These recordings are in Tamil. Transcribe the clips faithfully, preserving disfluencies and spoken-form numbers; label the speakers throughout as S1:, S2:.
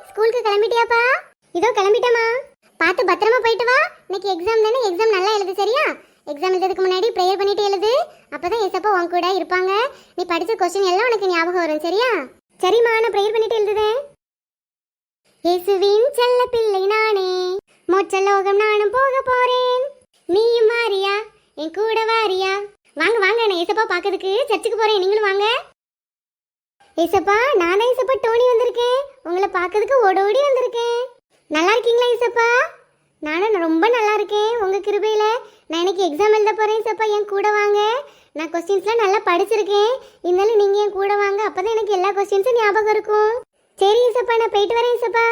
S1: ஸ்கூலுக்கு கிளம்பிட்டியாப்பா? இதோ கிளம்பிட்டேமா. பார்த்து பத்திரமா போயிட்டு வா. இன்னைக்கு எக்ஸாம் தானே, எக்ஸாம் நல்லா எழுது சரியா? எக்ஸாம் எழுதுறதுக்கு முன்னாடி ப்ரேயர் பண்ணிட்டு எழுது. அப்பதான் ஏசப்பா உன் கூட இருப்பாங்க. நீ படிச்ச கொஸ்டின் எல்லாம் உனக்கு ஞாபகம் வரும் சரியா? சரிம்மா, நான் ப்ரேயர் பண்ணிட்டு எழுதுதேன். இயேசுவின் செல்ல பிள்ளை நானே, மோட்ச லோகம் நானும் போக போறேன். நீயும் வாரியா, என் கூட வாரியா? வாங்க வாங்க, நான் ஏசப்பா பார்க்கறதுக்கு சர்ச்சுக்கு போறேன், நீங்களும் வாங்க. ஏசப்பா, நான் தான் ஏசப்பா டோனி வந்திருக்கேன். உங்களை பார்க்கறதுக்கு ஓடோடி வந்திருக்கேன். நல்லா இருக்கீங்களா ஏசப்பா? நானும் ரொம்ப நல்லா இருக்கேன் உங்க கிருபையில. நான் இன்னைக்கு எக்ஸாம் எழுத போறேன் ஏசப்பா, என் கூட வாங்க. நான் கொஸ்டின்ஸ்லாம் நல்லா படிச்சிருக்கேன். இருந்தாலும் நீங்க என் கூட வாங்க, அப்பதான் எனக்கு எல்லா கொஸ்டின்ஸும் ஞாபகம் இருக்கும். சரி ஏசப்பா, நான் போயிட்டு வரேன் ஏசப்பா.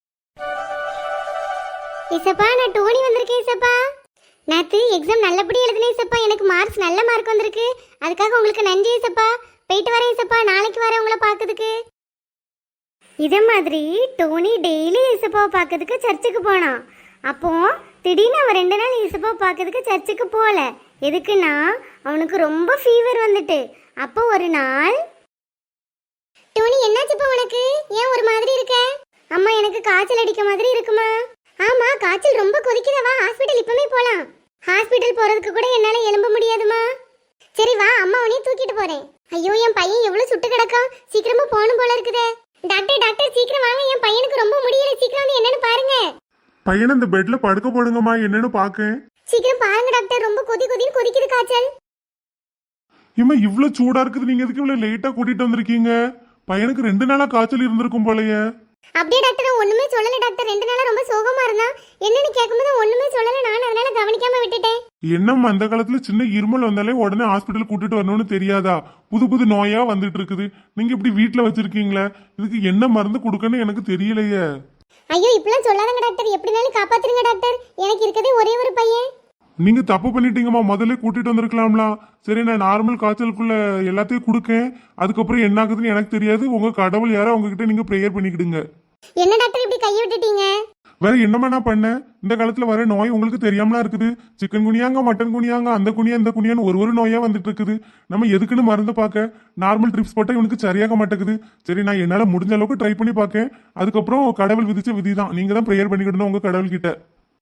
S1: ஏசப்பா, நான் டோனி வந்திருக்கேன் ஏசப்பா. நேற்று எக்ஸாம் நல்லபடியாக எழுதினேன் ஏசப்பா, எனக்கு மார்க்ஸ் நல்ல மார்க் வந்திருக்கு. அதுக்காக உங்களுக்கு நன்றி ஏசப்பா. போயிட்டு வரேன் ஏசப்பா, நாளைக்கு வரேன் உங்களை பார்க்கறதுக்கு. இதே மாதிரி டோனி டெய்லி ஏசப்பாவை பார்க்கறதுக்கு சர்ச்சுக்கு போனான். அப்போ திடீர்னு அவன் ரெண்டு நாள் ஏசப்பாவை பார்க்கறதுக்கு சர்ச்சுக்கு போகல. எதுக்குன்னா அவனுக்கு ரொம்ப ஃபீவர் வந்துட்டு. அப்போ ஒரு நாள், டோனி என்னாச்சுப்பா உனக்கு? ஏன் ஒரு மாதிரி இருக்க? அம்மா, எனக்கு காய்ச்சல் அடிக்க மாதிரி இருக்குமா? ஆமா, காய்ச்சல் ரொம்ப கொதிக்குதவா, ஹாஸ்பிட்டல் இப்பவே போலாம். ஹாஸ்பிட்டல் போறதுக்கு கூட என்னால எழும்ப முடியாதுமா. சரி வா, அம்மா உன்னைய தூக்கிட்டு போறேன். ஐயோ, என் பையன் எவ்வளவு சுட்டு கிடக்கான், சீக்கிரமா போகணும் போல இருக்குதே. டாக்டர் டாக்டர் சீக்கிரம் வாங்க, என் பையனுக்கு ரொம்ப முடியல, சீக்கிரம் வந்து என்னன்னு பாருங்க.
S2: பையனை இந்த பெட்ல படுக்க போடுங்கம்மா, என்னன்னு பாக்கேன்.
S1: சீக்கிரம் பாருங்க டாக்டர், ரொம்ப கொதி கொதின்னு கொதிக்குது காய்ச்சல்.
S2: இம்மா, இவ்வளவு சூடா இருக்குது, நீங்க எதுக்கு இவ்வளவு லேட்டா கூட்டிட்டு வந்திருக்கீங்க? பையனுக்கு ரெண்டு நாளா காய்ச்சல் இருந்திருக்கும் போலயே.
S1: அப்படியே டாக்டர், ஒண்ணுமே சொல்லல டாக்டர். ரெண்டு நாளா ரொம்ப சோகமா இருந்தா. என்னன்னு கேட்கும்போது ஒண்ணுமே சொல்லல, நான் அதனால கவனிக்காம விட்டுட்டேன்.
S2: என்னம்மா, அந்த காலத்துல சின்ன இருமல் வந்தாலே உடனே ஹாஸ்பிட்டல் கூட்டிட்டு வரணும்னு தெரியாதா? புது புது நோயா வந்துட்டு இருக்குது. நீங்க இப்படி வீட்டுல வச்சிருக்கீங்களே, இதுக்கு என்ன மருந்து கொடுக்கன்னு எனக்கு தெரியலையே.
S1: ஐயோ, இப்பெல்லாம் சொல்லாதங்க டாக்டர், எப்படினாலும் காப்பாத்துருங்க டாக்டர். எனக்கு இருக்கதே ஒரே ஒரு பையன்.
S2: நீங்க தப்பு பண்ணிட்டீங்கம்மா, முதல்ல கூட்டிட்டு வந்திருக்கலாம்ல. சரி, நான் நார்மல் காய்ச்சலுக்குள்ள எல்லாத்தையும் கொடுக்கேன். அதுக்கப்புறம் என்ன ஆகுதுன்னு எனக்கு தெரியாது. உங்க கடவுள் யாரோ உங்ககிட்ட நீங்க ப்ரேயர் பண்ணிக்கிடுங்க.
S1: என்ன டாக்டர் இப்படி கையை விட்டுட்டீங்க?
S2: வேற என்னமா நான் பண்ணேன்? இந்த காலத்துல வர நோய் உங்களுக்கு தெரியாமலா இருக்குது. சிக்கன் குனியாங்க, மட்டன் குனியாங்க, அந்த குனியா இந்த குனியான்னு ஒரு ஒரு நோயா வந்துட்டு இருக்குது. நம்ம எதுக்குன்னு மருந்து பார்க்க நார்மல் ட்ரிப்ஸ் போட்டா இவனுக்கு சரியாக மாட்டேங்குது. சரி, நான் என்னால முடிஞ்ச அளவுக்கு ட்ரை பண்ணி பார்க்கேன். அதுக்கப்புறம் கடவுள் விதிச்ச விதி தான், நீங்க தான் ப்ரேயர் பண்ணிக்கிடணும் உங்க கடவுள் கிட்ட.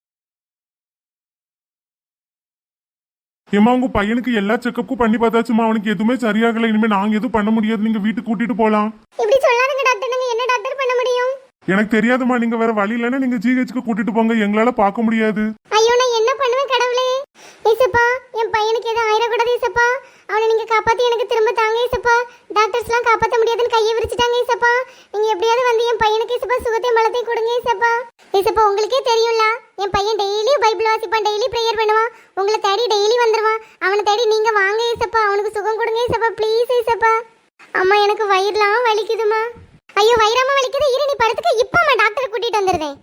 S2: ஏமா, உங்க பையனுக்கு எல்லா செக்கப்பும் பண்ணி பார்த்தாச்சுமா, அவனுக்கு எதுவுமே சரியாகல. இனிமே நாங்க எதுவும் பண்ண முடியாது, நீங்க வீட்டுக்கு கூட்டிட்டு போலாம்.
S1: இப்படி சொல்லாதீங்க டாக்டர், நாங்க என்ன டாக்டர் பண்ண முடியும்?
S2: எனக்கு தெரியாதுமா, நீங்க வேற வழி இல்லைன்னா நீங்க ஜிஹெச்க்கு கூட்டிட்டு போங்க, எங்களால பார்க்க முடியாது.
S1: ஐயோ, நான் என்ன பண்ணுவேன் கடவுளே? ஏசப்பா, என் பையனுக்கு எதுவும் ஆயிடக்கூடாது ஏசப்பா. அவனை நீங்க காப்பாத்தி எனக்கு திரும்ப தாங்க ஏசப்பா. டாக்டர்ஸ்லாம் காப்பாற்ற முடியாதுன்னு கையை விரிச்சிட்டாங்க ஏசப்பா. நீங்க எப்படியாவது வந்து என் பையனுக்கு ஏசப்பா சுகத்தையும் பலத்தையும் கொடுங்க ஏசப்பா. ஏசப்பா, உங்களுக்கே தெரியும்ல, என் பையன் டெய்லி பைபிள் வாசிப்பான், டெய்லி ப்ரேயர் பண்ணுவான், உங்களை தேடி டெய்லி வந்துருவான். அவனை தேடி நீங்க வாங்க ஏசப்பா, அவனுக்கு சுகம் கொடுங்க ஏசப்பா, ப்ளீஸ் ஏசப்பா. அம்மா, எனக்கு வயிறுலாம் வலிக்குதுமா. ஐயோ, வயிறாம வலிக்குது, இரு நீ படுத்துக்க, இப்பமா டாக்டர் கூட்டிட்டு வந்துருதேன்.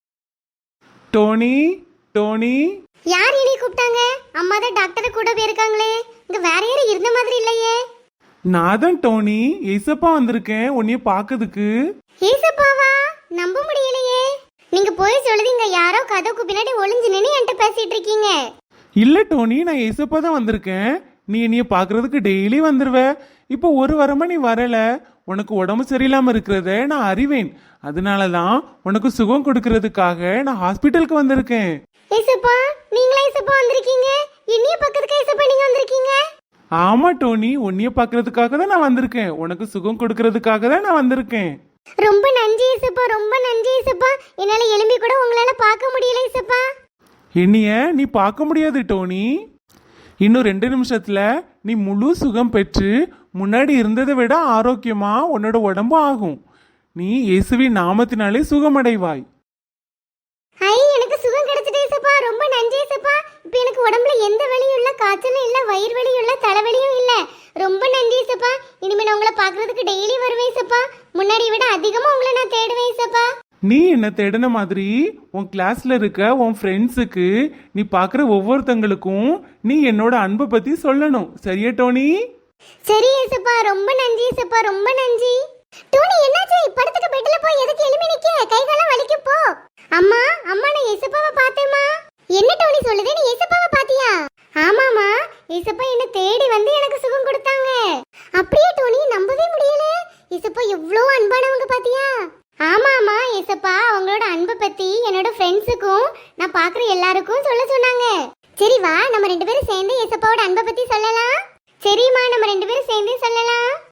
S3: டோனி, டோனி.
S1: யார் இனி கூப்பிட்டாங்க? அம்மா தான் டாக்டர் கூட போயிருக்காங்களே, இங்க வேற யாரும் இருந்த மாதிரி இல்லையே.
S3: நான் தான் டோனி, ஏசப்பா வந்திருக்கேன் உன்னைய பாக்கிறதுக்கு.
S1: ஏசப்பாவா? நம்ப முடியலையே. நீங்க போய் சொல்லுதீங்க, யாரோ கதவுக்கு பின்னாடி ஒளிஞ்சு நின்னு என்கிட்ட பேசிட்டு இருக்கீங்க.
S3: இல்ல டோனி, நான் ஏசப்பா தான் வந்திருக்கேன். நீ என்னைய பாக்குறதுக்கு டெய்லி வந்துருவ. இப்போ ஒரு வாரமா நீ வரல. உனக்கு உடம்பு சரியில்லாம இருக்கிறத நான் அறிவேன். அதனாலதான் உனக்கு சுகம் கொடுக்கறதுக்காக நான் ஹாஸ்பிட்டலுக்கு வந்திருக்கேன்.
S1: ஏசப்பா, நீங்களா ஏசப்பா வந்திருக்கீங்க? என்னைய பக்கத்துக்கு ஏசப்பா நீங்க வந்திருக்கீங்க?
S3: ஆமா டோனி, உன்னைய பாக்குறதுக்காக தான் நான் வந்திருக்கேன். உனக்கு சுகம் கொடுக்கறதுக்காக தான் நான் வந்திருக்கேன்.
S1: ரொம்ப நன்றி ஏசப்பா, ரொம்ப நன்றி ஏசப்பா. என்னால எலும்பி கூட உங்களால பார்க்க முடியல ஏசப்பா.
S3: என்னைய நீ பார்க்க முடியாது டோனி. இன்னும் ரெண்டு நிமிஷத்துல நீ முழு சுகம் பெற்று முன்னாடி இருந்ததை விட ஆரோக்கியமா உன்னோட உடம்பு ஆகும். நீ இயேசுவின் நாமத்தினாலே சுகமடைவாய்.
S1: ஐ, எனக்கு சுகம் கிடைச்சிட்டு ஏசப்பா, ரொம்ப நன்றி ஏசப்பா. இப்போ எனக்கு உடம்புல எந்த வலியும் இல்ல, காய்ச்சலும் இல்ல, வயிறு வலியும் இல்ல, தலைவலியும் இல்ல. ரொம்ப நன்றி ஏசப்பா. இனிமே நான் உங்களை பாக்குறதுக்கு டெய்லி வருவேன் ஏசப்பா. முன்னாடி விட அதிகமா உங்களை நான் தேடுவேன் ஏசப்பா.
S3: நீ என்ன தேடின மாதிரி உன் கிளாஸ்ல இருக்க உன் ஃப்ரெண்ட்ஸுக்கு, நீ பாக்குற ஒவ்வொருத்தங்களுக்கும் நீ என்னோட அன்பை பத்தி சொல்லணும். சரியா டோனி?
S1: சரி ஏசப்பா, ரொம்ப நன்றி ஏசப்பா, ரொம்ப நன்றி. டோனி, என்னாச்சு? படுத்துக்க பெட்ல போய் எதுக்கு எலும்பி நிக்க? கை காலம் வலிக்கும் போ. அம்மா, அம்மா, நான் ஏசப்பாவை பார்த்தேம்மா. என்ன டோனி சொல்லுது? நீ ஏசப்பாவை பாத்தியா? ஆமாமா, ஏசப்பா என்ன தேடி வந்து எனக்கு சுகம் கொடுத்தாங்க. அப்படியே டோனி, நம்பவே முடியல. ஏசப்பா எவ்வளவு அன்பானவங்க பாத்தியா? ஆமாமா, ஏசப்பா நான் பாக்குற எல்லாருக்கும் சொல்ல சொன்னாங்க. சரி வா நம்ம ரெண்டு பேரும் சேர்ந்து ஏசப்பாவோட அன்பை பத்தி சொல்லலாம். சரிம்மா நம்ம ரெண்டு பேரும் சேர்ந்து சொல்லலாம்.